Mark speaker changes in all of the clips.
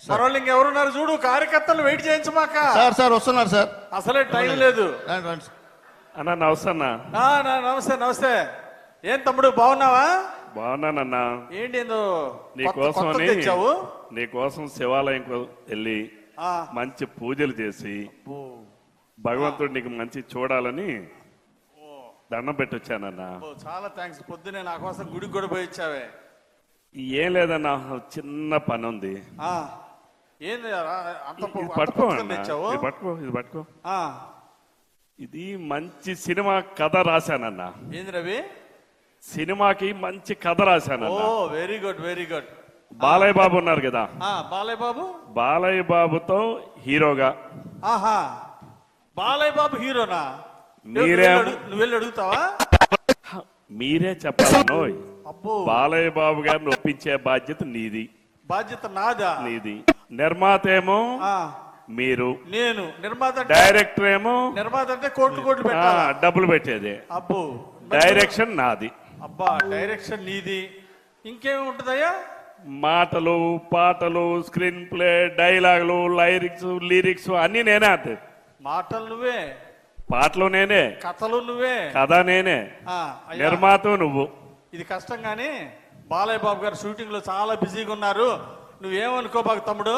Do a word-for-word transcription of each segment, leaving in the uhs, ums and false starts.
Speaker 1: మరోళ్ళు ఇంకెవరున్నారు చూడు, కార్యకర్తలు వెయిట్ చేయించమాక.
Speaker 2: సార్ సార్ వస్తున్నారు సార్.
Speaker 1: అసలే టైం లేదు.
Speaker 2: రండి, రండి.
Speaker 3: అన్న నమస్తే అన్న.
Speaker 1: ఆ, నా- నమస్తే నమస్తే. ఏం తమ్ముడు బాగున్నావా?
Speaker 3: బాగున్నానన్నా.
Speaker 1: ఏంటి ఏందో
Speaker 3: నీకోసం
Speaker 1: కొత్త- కొత్తది
Speaker 3: అని
Speaker 1: తెచ్చావు?
Speaker 3: నీకోసం శివాలయం వెళ్ళి
Speaker 1: ఆ,
Speaker 3: మంచి పూజలు చేసి
Speaker 1: అబ్బో.
Speaker 3: భగవంతుడు నీకు మంచి చూడాలని దండం పెట్టొచ్చానన్నా.
Speaker 1: అబ్బో, చాలా థ్యాంక్స్. పొద్దునే నా కోసం గుడికి కూడా పోయి ఇచ్చావే.
Speaker 3: ఏం లేదన్నా, చిన్న పని ఉంది.
Speaker 1: ఆ, ఏంది రా, అంత
Speaker 3: ఇది
Speaker 1: పొ- అంత
Speaker 3: పట్టుకో
Speaker 1: పుస్తకం
Speaker 3: అన్నా.
Speaker 1: తెచ్చావు?
Speaker 3: ఇది పట్టుకో ఇది పట్టుకో
Speaker 1: ఆ,
Speaker 3: ఇది మంచి సినిమా కథ రాశానన్నా.
Speaker 1: ఏంది రవి?
Speaker 3: సినిమాకి మంచి కథ
Speaker 1: ఓ
Speaker 3: రాశానన్నా.
Speaker 1: Very good very good.
Speaker 3: Balayya Babu ఉన్నారు కదా,
Speaker 1: ఆ, బాలయ్య బాబు.
Speaker 3: బాలయ్య బాబుతో హీరోగా
Speaker 1: ఆహా, బాలయ్య బాబు హీరోనా?
Speaker 3: మీరే-
Speaker 1: నువ్వు వెళ్ళి అడుగు- నువ్వు వెళ్ళి అడుగుతావా?
Speaker 3: మీరే చెప్పాలన్నోయ్.
Speaker 1: అబ్బో,
Speaker 3: బాలయ్య బాబు గారిని ఒప్పించే బాధ్యత నీది
Speaker 1: బాధ్యత నాదా?
Speaker 3: నీది నిర్మాత ఏమో
Speaker 1: ఆ,
Speaker 3: మీరు,
Speaker 1: నేను నిర్మాత అంటే-
Speaker 3: డైరెక్టర్ ఏమో
Speaker 1: నిర్మాత అంటే కోట్లు కోట్లు
Speaker 3: ఆ,
Speaker 1: పెట్టాలా?
Speaker 3: డబ్బులు పెట్టేదే.
Speaker 1: అబ్బో,
Speaker 3: డైరెక్షన్ నాది.
Speaker 1: అబ్బా, డైరెక్షన్ నీది. ఇంకేమి ఉంటుందయ్యా?
Speaker 3: మాటలు పాటలు స్క్రీన్ ప్లే డైలాగులు లైరిక్స్ లిరిక్స్ అన్ని నేనే. అంతే,
Speaker 1: మాటలు నువ్వే,
Speaker 3: పాటలు నేనే,
Speaker 1: కథలు నువ్వే.
Speaker 3: కథ నేనే,
Speaker 1: ఆ, అయ్యా,
Speaker 3: నిర్మాత నువ్వు.
Speaker 1: ఇది కష్టం కానీ బాలయ్య బాబు గారు షూటింగ్ లో చాలా బిజీగా ఉన్నారు. నువ్వేమనుకో బాగు తమ్ముడు.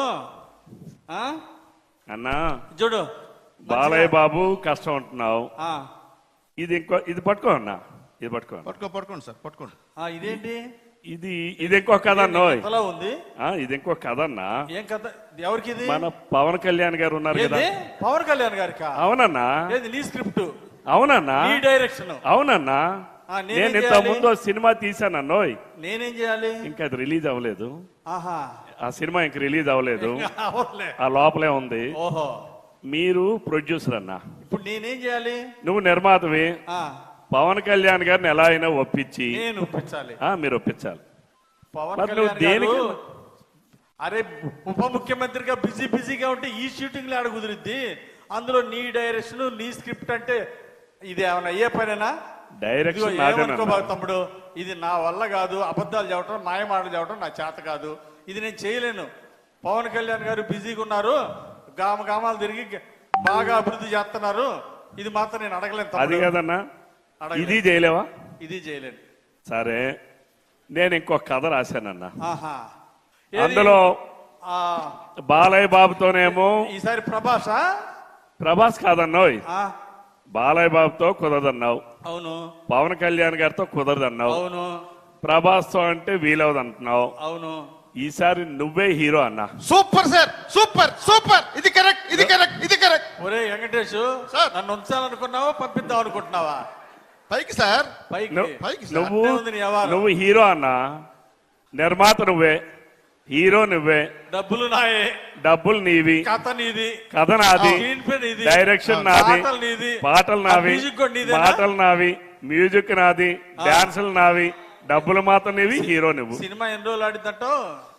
Speaker 1: ఆ,
Speaker 3: అన్నా
Speaker 1: చూడు
Speaker 3: బాలయ్య బాబు కష్టం అంటున్నావు.
Speaker 1: ఆ,
Speaker 3: ఇది ఇంకో ఇది పట్టుకో అన్నా, ఇది పట్టుకో.
Speaker 2: పట్టుకో పట్టుకోండి సార్, పట్టుకోండి.
Speaker 1: ఆ, ఇదేంటి?
Speaker 3: ఇది ఇది ఇంకో కథ అన్నోయ్.
Speaker 1: కథలా ఉంది.
Speaker 3: ఆ, ఇది ఇంకో కథ అన్నా.
Speaker 1: ఏం కథ? ఎవరికి ఇది?
Speaker 3: మన పవన్ కళ్యాణ్ గారు ఉన్నారు కదా.
Speaker 1: ఏది? పవన్ కళ్యాణ్ గారికా?
Speaker 3: అవునన్నా,
Speaker 1: ఏది నీ స్క్రిప్ట్,
Speaker 3: అవునన్నా,
Speaker 1: నీ డైరెక్షన్?
Speaker 3: అవునన్నా.
Speaker 1: ఆ, నేనేం
Speaker 3: నేను ఇంత
Speaker 1: చేయాలి?
Speaker 3: ముందు సినిమా తీసానన్నోయ్.
Speaker 1: నేనేం చేయాలి?
Speaker 3: ఇంకా అది రిలీజ్ అవ్వలేదు.
Speaker 1: ఆహా,
Speaker 3: ఆ సినిమా ఇంక రిలీజ్ అవ్వలేదు,
Speaker 1: అవునులే.
Speaker 3: ఆ లోపలే ఉంది.
Speaker 1: ఓహో,
Speaker 3: మీరు ప్రొడ్యూసర్ అన్నా,
Speaker 1: ఇప్పుడు నేనేం చేయాలి?
Speaker 3: నువ్వు నిర్మాతవి.
Speaker 1: ఆ,
Speaker 3: పవన్ కళ్యాణ్ గారిని ఎలా అయినా ఒప్పించి
Speaker 1: నేను ఒప్పించాలి.
Speaker 3: ఆ మీరు ఒప్పించాలి.
Speaker 1: పవన్
Speaker 3: మరి నువ్వు
Speaker 1: కళ్యాణ్ గారు,
Speaker 3: దేనికి-
Speaker 1: అరే ఉప ముఖ్యమంత్రిగా బిజీ బిజీగా ఉంటే ఈ షూటింగ్ లో ఆడ కుదిరిద్ది. అందులో నీ డైరెక్షన్ నీ స్క్రిప్ట్ అంటే ఇది ఏమైనా అయ్యే పనేనా?
Speaker 3: డైరెక్షన్
Speaker 1: ఇదిగో
Speaker 3: నాదేనన్నా.
Speaker 1: ఏమనుకోబాకు తమ్ముడు, ఇది నా వల్ల కాదు. అబద్ధాలు చెప్పడం మాయమాటలు చెప్పడం నా చేత కాదు. ఇది నేను చేయలేను. పవన్ కళ్యాణ్ గారు బిజీగా ఉన్నారు, గామ గామాలు తిరిగి బాగా అభివృద్ధి చేస్తున్నారు. ఇది మాత్రం నేను అడగలేను
Speaker 3: అది
Speaker 1: తమ్ముడు.
Speaker 3: కదన్నా,
Speaker 1: అడగలేను.
Speaker 3: ఇది చేయలేవా?
Speaker 1: ఇది చేయలేను.
Speaker 3: సరే, నేను ఇంకో కథ రాశానన్నా.
Speaker 1: ఆహా, ఏది?
Speaker 3: అందులో
Speaker 1: ఆ,
Speaker 3: బాలయ్య బాబుతోనేమో
Speaker 1: ఈసారి ప్రభాసా?
Speaker 3: ప్రభాస్ కాదన్నావు,
Speaker 1: ఆ,
Speaker 3: బాలయ్య బాబుతో కుదరదన్నావు,
Speaker 1: అవును
Speaker 3: పవన్ కళ్యాణ్ గారితో కుదరదన్నావు,
Speaker 1: అవును
Speaker 3: ప్రభాస్ తో అంటే వీలవదు అంటున్నావు.
Speaker 1: అవును.
Speaker 3: ఈసారి నువ్వే హీరో అన్నా.
Speaker 2: Super sir, super super. ఇది కరెక్ట్, ఇది కరెక్ట్, ఇది కరెక్ట్.
Speaker 1: ఒరే వెంకటేష్,
Speaker 2: సార్.
Speaker 1: నన్ను ఉంచాలనుకున్నావా పంపిద్దాం అనుకుంటున్నావా?
Speaker 2: పైకి సార్.
Speaker 1: పైకి
Speaker 3: నువ్వు-
Speaker 2: పైకి సార్.
Speaker 3: నువ్వు
Speaker 1: అట్టే ఉంది నీ వ్యవహారం.
Speaker 3: నువ్వు హీరో అన్నా, నిర్మాత నువ్వే, హీరో నువ్వే,
Speaker 1: డబ్బులు నాయే,
Speaker 3: డబ్బులు నీవి,
Speaker 1: కథ నీది,
Speaker 3: కథ నాది,
Speaker 1: స్క్రీన్ ప్లే నీది,
Speaker 3: డైరెక్షన్ నాది,
Speaker 1: పాటలు నీది,
Speaker 3: పాటలు నావి,
Speaker 1: ఆ మ్యూజిక్ కూడా నీదేనా?
Speaker 3: పాటలు నావి, మ్యూజిక్ నాది, డాన్సులు నావి, డబ్బులు మాత్రం నీవి, హీరో నువ్వు.
Speaker 1: సినిమా ఎన్ని రోజులు ఆడిందంటో?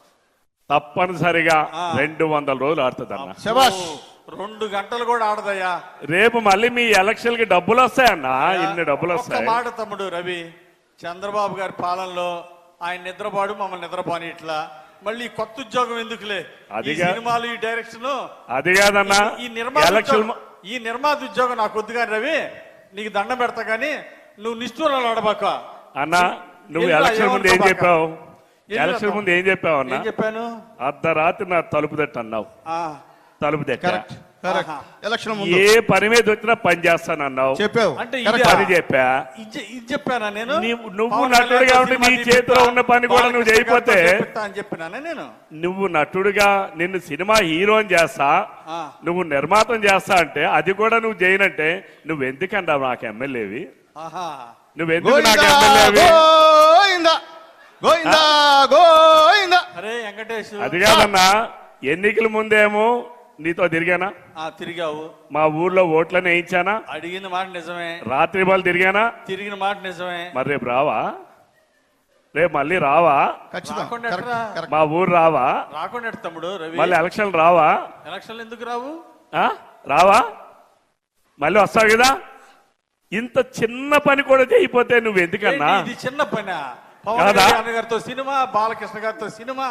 Speaker 3: తప్పనిసరిగా
Speaker 1: ఆ.
Speaker 3: రెండు వందల రోజులు ఆడుతుందన్న.
Speaker 2: శబాష్.
Speaker 1: రెండు గంటలు కూడా ఆడదయ్యా.
Speaker 3: రేపు మళ్ళీ మీ ఎలక్షన్ కి డబ్బులు వస్తాయన్నా, ఇన్ని డబ్బులు
Speaker 1: ఒక్క
Speaker 3: వస్తాయి.
Speaker 1: మాట తమ్ముడు రవి, చంద్రబాబు గారి పాలనలో ఆయన నిద్రపాడు, మమ్మల్ని నిద్రపోని ఇట్లా మళ్ళీ ఈ కొత్త ఉద్యోగం ఎందుకులే? ఈ
Speaker 3: అదిగా-
Speaker 1: సినిమాలు, ఈ డైరెక్షన్,
Speaker 3: అది కాదన్నా,
Speaker 1: ఈ నిర్మాత
Speaker 3: ఎలక్షన్
Speaker 1: ఉద్యోగం- ఈ నిర్మాత ఉద్యోగం నాకు వద్దు కానీ రవి, నీకు దండం పెడతా కానీ నువ్వు నిష్ఠూరాలు ఆడబాక.
Speaker 3: అన్నా, నువ్వు
Speaker 1: ఎందుకు
Speaker 3: ఎలక్షన్ ముందు ఏం
Speaker 1: ఏమనుకోబాక?
Speaker 3: చెప్పావు?
Speaker 1: ఎందుకు
Speaker 3: ఎలక్షన్ ముందు ఏం చెప్పావు అన్నా?
Speaker 1: ఏం చెప్పాను?
Speaker 3: అర్ధరాత్రి నా తలుపు తట్టు అన్నావు,
Speaker 1: ఆ,
Speaker 3: తలుపు తట్ట.
Speaker 2: Correct correct.
Speaker 1: ఆహా.
Speaker 2: ఎలక్షన్ ముందు
Speaker 3: ఏ పని మీద వచ్చినా పని చేస్తానన్నావు,
Speaker 2: చెప్పావు.
Speaker 1: అంటే
Speaker 2: కరెక్ట్.
Speaker 1: ఇదా?
Speaker 3: పని చెప్పా.
Speaker 1: ఇది ఇది చెప్పానా నేను?
Speaker 3: నీవు- నువ్వు
Speaker 1: పవన్
Speaker 3: నటుడుగా
Speaker 1: కళ్యాణ్
Speaker 3: ఉండి
Speaker 1: సినిమా
Speaker 3: నీ
Speaker 1: తీపిస్తా,
Speaker 3: చేతిలో ఉన్న పని కూడా నువ్వు
Speaker 1: బాలకృష్ణ గారితో
Speaker 3: చేయకపోతే,
Speaker 1: చేపిస్తా అని చెప్పినానే నేను.
Speaker 3: నువ్వు నటుడుగా నిన్ను సినిమా హీరోని చేస్తా,
Speaker 1: ఆ.
Speaker 3: నువ్వు నిర్మాతం చేస్తా అంటే అది కూడా నువ్వు చేయనంటే నువ్వు ఎందుకన్నా నాకు ఎమ్మెల్యేవి?
Speaker 1: ఆహా,
Speaker 3: నువ్వెందుకు నాకు
Speaker 2: గోవిందా
Speaker 3: ఎమ్మెల్యేవి?
Speaker 2: గోవిందా గోవిందా గోవిందా.
Speaker 1: అరే వెంకటేష్,
Speaker 3: అది కాదన్నా, ఎన్నికల ముందేమో నీతో తిరిగానా,
Speaker 1: ఆ, తిరిగావు,
Speaker 3: మా ఊర్లో ఓట్లని వేయించానా,
Speaker 1: అడిగిన మాట నిజమే,
Speaker 3: రాత్రి బాల్ తిరిగానా,
Speaker 1: తిరిగిన మాట నిజమే.
Speaker 3: మరి రేపు రావా? రేపు మళ్ళీ రావా?
Speaker 2: ఖచ్చితంగా
Speaker 1: రాకుండా
Speaker 2: కరెక్ట్
Speaker 1: ఎట్రా?
Speaker 2: కరెక్ట్.
Speaker 3: మా ఊరు రావా?
Speaker 1: రాకుండా ఎట్ట తమ్ముడు రవి?
Speaker 3: మళ్ళీ ఎలక్షన్ రావా?
Speaker 1: ఎలక్షన్లు ఎందుకు రావు?
Speaker 3: ఆ? రావా? మళ్ళీ వస్తావు కదా. ఇంత చిన్న పని కూడా చేయకపోతే నువ్వు ఎందుకన్నా?
Speaker 1: ఏంటి ఇది చిన్న పని? పవన్
Speaker 3: కాదా?
Speaker 1: కళ్యాణ్ గారితో సినిమా, బాలకృష్ణ గారితో సినిమా,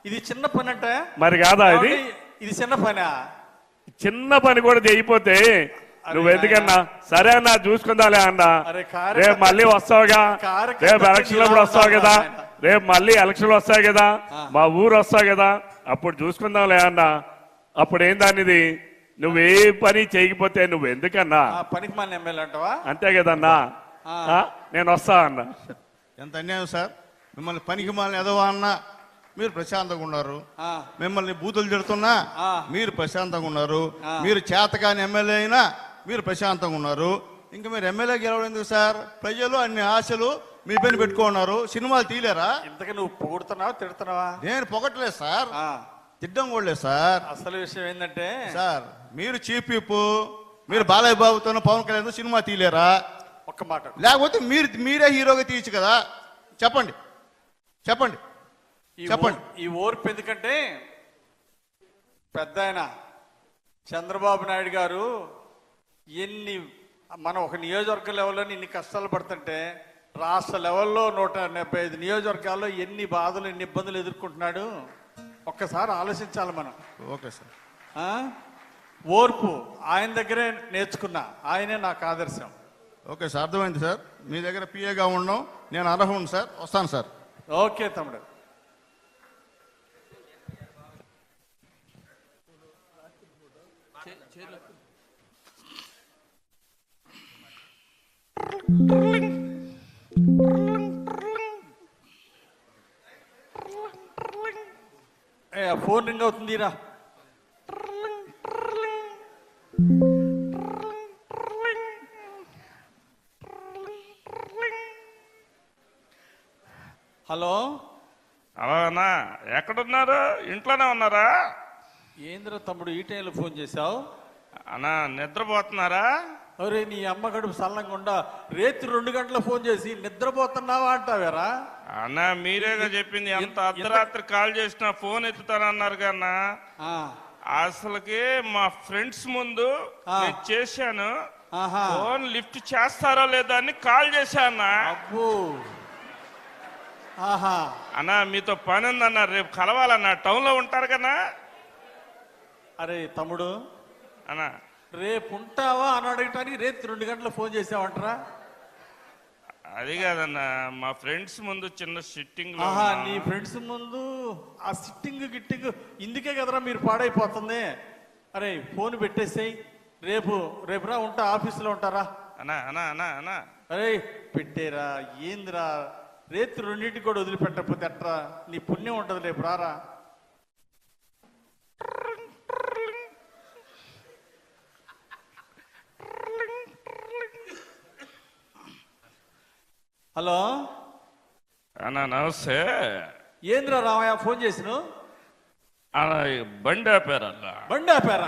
Speaker 1: ఇది చిన్న పని అంటే
Speaker 3: మరి కాదా ఇది
Speaker 1: ఇది చిన్న పనా?
Speaker 3: చిన్న పని కూడా చేయకపోతే నువ్వు ఎందుకన్నా సరే అన్నా చూసుకుందాలే అన్నా
Speaker 1: అరే కార్యకర్త-
Speaker 3: రేపు మళ్ళీ వస్తావుగా
Speaker 1: కార్యకర్త
Speaker 3: రేపు ఎలక్షన్ అప్పుడు వస్తావు కదా
Speaker 1: ఆయన.
Speaker 3: రేపు మళ్ళీ ఎలక్షన్లు వస్తాయి కదా మా ఊరు వస్తావు కదా అప్పుడు చూసుకుందాంలే అన్నా అప్పుడు ఏం దానిది నువ్వే పని చేయకపోతే నువ్వు ఎందుకన్నా
Speaker 1: ఆ పనికి మన ఎమ్మెల్యే అంటావా?
Speaker 3: అంతే కదన్నా
Speaker 1: ఆ.
Speaker 3: ఆ, నేను వస్తా అన్నా
Speaker 2: ఎంత అన్యాయం సార్. మిమ్మల్ని పనికి మాలని ఎదవా అన్నా మీరు ప్రశాంతంగా ఉన్నారు.
Speaker 1: ఆ.
Speaker 2: మిమ్మల్ని బూతులు తిడుతున్నా
Speaker 1: ఆ.
Speaker 2: మీరు ప్రశాంతంగా ఉన్నారు.
Speaker 1: ఆ.
Speaker 2: మీరు చేతకాని ఎమ్మెల్యే అయినా మీరు ప్రశాంతంగా ఉన్నారు. ఇంకా మీరు ఎమ్మెల్యే గెలవడం ఎందుకు సార్? ప్రజలు అన్ని ఆశలు మీ పైన పెట్టుకున్నారు. సినిమాలు తీలేరా?
Speaker 1: ఇంతకు నువ్వు పొగుడుతున్నావా తిడుతున్నావా?
Speaker 2: నేను పొగట్లేదు సార్,
Speaker 1: ఆ.
Speaker 2: తిడ్డం కూడా లేదు సార్.
Speaker 1: అసలు విషయం ఏంటంటే
Speaker 2: సార్ మీరు చీఫ్ విప్, మీరు బాలయ్య బాబుతో పవన్ కళ్యాణ్ సినిమా తీలేరా?
Speaker 1: ఒక్క మాట
Speaker 2: లేకపోతే మీరు మీరే హీరోగా తీయచ్చు కదా. చెప్పండి చెప్పండి
Speaker 1: ఈ
Speaker 2: చెప్పండి.
Speaker 1: ఓ- ఈ ఓర్పు ఎందుకంటే పెద్ద ఆయన చంద్రబాబు నాయుడు గారు ఎన్ని మనం ఒక నియోజకవర్గ లెవెల్లో ఇన్ని కష్టాలు పడుతుంటే రాష్ట్ర లెవెల్లో నూట డెబ్బై ఐదు నియోజకవర్గాల్లో ఎన్ని బాధలు ఎన్ని ఇబ్బందులు ఎదుర్కొంటున్నాడు ఒక్కసారి ఆలోచించాలి మనం.
Speaker 2: Okay sir.
Speaker 1: ఆ? ఓర్పు ఆయన దగ్గరే నేర్చుకున్నా, ఆయనే నాకు ఆదర్శం.
Speaker 2: ఓకే సార్, అర్థమైంది సార్. మీ దగ్గర పిఏగా ఉండడం నేను అర్హుడు సార్. వస్తాను సార్.
Speaker 1: ఓకే తమ్ముడు. ఏ, ఆ ఫోన్ రింగ్ అవుతుందిరా. హలో
Speaker 3: అలానా ఎక్కడున్నారు ఇంట్లోనే ఉన్నారా
Speaker 1: ఏంద్ర తమ్ముడు ఈ టైంలో ఫోన్ చేశావు?
Speaker 3: అన్నా నిద్రపోతున్నారా
Speaker 1: అరే నీ అమ్మ గడుపు సల్లంగా రేత్రి రెండు గంటల ఫోన్ చేసి నిద్రపోతున్నావా అంటావేరా?
Speaker 3: అన్నా మీరేగా చెప్పింది ఎంత అర్ధరాత్రి కాల్ చేసినా ఫోన్ ఎత్తుతానన్నారు కన్నా
Speaker 1: ఆ,
Speaker 3: అసలుకి మా ఫ్రెండ్స్ ముందు
Speaker 1: ఆ.
Speaker 3: నేను చేశాను
Speaker 1: ఆహా.
Speaker 3: ఫోన్ లిఫ్ట్ చేస్తారో లేదా అని కాల్ చేశానా
Speaker 1: అబ్బో. ఆహా.
Speaker 3: అన్నా మీతో పని ఉందన్నా రేపు కలవాలన్నా టౌన్ లో ఉంటారు కన్నా
Speaker 1: అరే తమ్ముడు
Speaker 3: అన్నా
Speaker 1: రేపు ఉంటావా అని అడగటానికి రేపు రెండు గంటల ఫోన్ చేసావంటరా?
Speaker 3: అది కాదన్నా మా ఫ్రెండ్స్ ముందు చిన్న సిట్టింగ్ లో
Speaker 1: ఆహా,
Speaker 3: ఉన్నా.
Speaker 1: నీ ఫ్రెండ్స్ ముందు ఆ సిట్టింగ్ గిట్టింగ్ ఇందుకే కదరా మీరు పాడైపోతుంది. అరే ఫోన్ పెట్టేసేయ్, రేపు రేపురా ఉంటా, ఆఫీసులో ఉంటారా?
Speaker 3: అన్నా అన్నా అన్నా అన్నా
Speaker 1: అరే పెట్టేరా, ఏందిరా రేపు రెండింటికి కూడా వదిలిపెట్టకపోతే ఎట్రా? నీ పుణ్యం ఉంటుంది, రేపు రారా. హలో
Speaker 3: అన్నా నమస్తే
Speaker 1: ఏంద్రా రామయ్య ఫోన్ చేసిన?
Speaker 3: అన్నా ఈ బండి ఆపారన్నా
Speaker 1: బండి ఆపారా?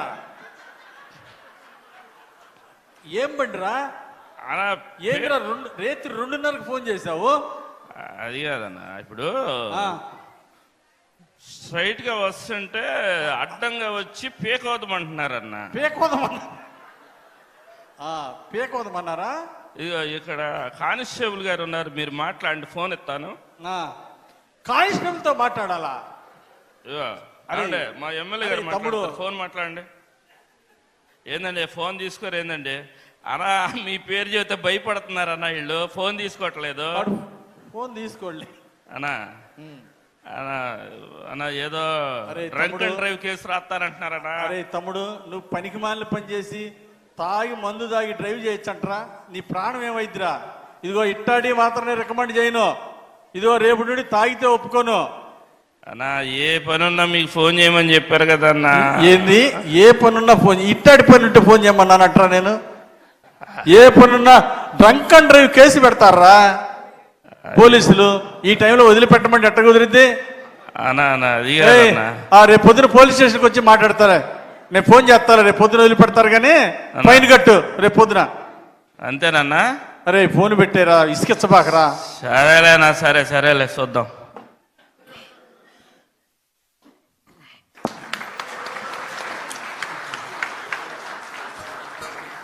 Speaker 1: ఏం బండిరా?
Speaker 3: అన్నా
Speaker 1: ఏంద్రా రెండు రేత్రి రెండున్నరకు ఫోన్ చేశావు?
Speaker 3: అది కాదన్నా ఇప్పుడు
Speaker 1: ఆ,
Speaker 3: స్ట్రైట్ గా వస్తుంటే అడ్డంగా వచ్చి పీకవద్దమంటున్నారన్నా
Speaker 1: పేకోదమన్నా ఆ, పేకోదమన్నారా?
Speaker 3: ఇగో ఇక్కడ కానిస్టేబుల్ గారు ఉన్నారు మీరు మాట్లాడండి ఫోన్ ఎత్తాను
Speaker 1: ఆ, కానిస్టేబుల్తో మాట్లాడాలా?
Speaker 3: ఇగో
Speaker 1: అరే,
Speaker 3: అంటే మా ఎమ్మెల్యే గారు
Speaker 1: అరే, తమ్ముడు.
Speaker 3: మాట్లాడతారు ఫోన్ మాట్లాడండి ఏందండి ఫోన్ తీసుకోరు ఏందండి అన్నా మీ పేరు చెబితే భయపడుతున్నారన్నా వీళ్ళు ఫోన్ తీసుకోవట్లేదు
Speaker 1: వాడు ఫోన్ తీసుకోండి.
Speaker 3: అన్నా అన్నా అన్నా ఏదో
Speaker 1: అరే,
Speaker 3: డ్రంక్
Speaker 1: తమ్ముడు.
Speaker 3: అండ్ డ్రైవ్ కేసు రాస్తారంటున్నారన్నా
Speaker 1: అరే తమ్ముడు, నువ్వు పనికి మాలిన పని చేసి తాగి మందు తాగి డ్రైవ్ చేయొచ్చంటరా? నీ ప్రాణం ఏమైద్దిరా? ఇదిగో ఇట్టాడి మాత్రమే రికమెండ్ చేయను. ఇదిగో రేపు నుండి తాగితే ఒప్పుకోను.
Speaker 3: అన్నా ఏ పని ఉన్నా మీకు ఫోన్ చేయమని చెప్పారు కదా అన్నా
Speaker 1: ఏంది ఏ పనున్నా ఫోన్? ఇట్టాడి పని ఉంటే ఫోన్ చేయమన్నానంటరా నేను? ఏ పనున్నా డ్రంక్ అండ్ డ్రైవ్ కేసు పెడతారా పోలీసులు? ఈ టైంలో వదిలిపెట్టమంటే ఎట్ట కుదిరిద్ది?
Speaker 3: అన్నా అన్నా అది
Speaker 1: ఏయ్,
Speaker 3: కాదన్నా
Speaker 1: ఆ రేపు పొద్దున పోలీస్ స్టేషన్కి వచ్చి మాట్లాడతారా? నేను ఫోన్ చేస్తాను, రేపు పొద్దున వదిలిపెడతారు కానీ ఫైన్ కట్టు రేపు పొద్దున.
Speaker 3: అంతేనన్నా
Speaker 1: అరే ఫోన్ పెట్టారా, ఇసుకిచ్చబాకరా.
Speaker 3: సరేలేనా సరే సరేలే చూద్దాం